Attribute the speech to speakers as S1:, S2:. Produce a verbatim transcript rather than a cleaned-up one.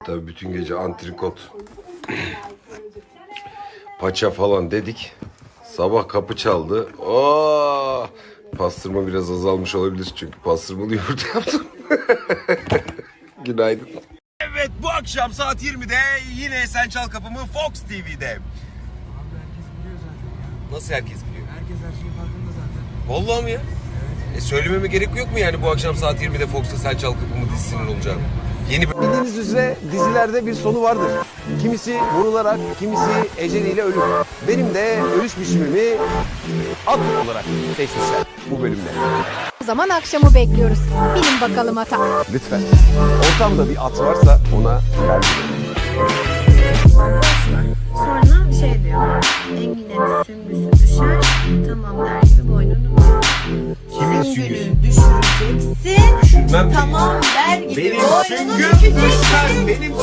S1: Tabii bütün gece antrikot, paça falan dedik. Sabah kapı çaldı. Oo! Pastırma biraz azalmış olabilir çünkü pastırmalı yumurta yaptım. Günaydın. Evet, bu akşam saat yirmide yine Sen Çal Kapımı Fox T V'de.
S2: Abi herkes biliyor zaten ya.
S1: Nasıl herkes biliyor?
S2: Herkes her şeyin farkında zaten.
S1: Vallahi mi ya?
S2: Evet.
S1: E söylememe gerek yok mu yani bu akşam saat yirmide Fox'ta Sen Çal Kapımı dizisinin olacağını? Yeni bir...
S3: Bildiğiniz üzere dizilerde bir sonu vardır. Kimisi vurularak, kimisi eceliyle ölür. Benim de ölüş biçimimi at olarak seçmişler bu bölümde.
S4: O zaman akşamı bekliyoruz. Bilin bakalım ata.
S3: Lütfen. Ortamda bir at varsa ona ver.
S5: Sonra şey diyor. Enginlerin süngüsü düşer. Tamam der gibi boynunu büküyor.
S1: Kimin
S5: Süngünü
S1: süngüsü?
S5: düşüreceksin.
S1: Düşürmem.
S5: Tamam der gibi
S1: Benim
S5: boynunu
S1: süngüm
S5: bükeceksin.
S1: düşmez. Benim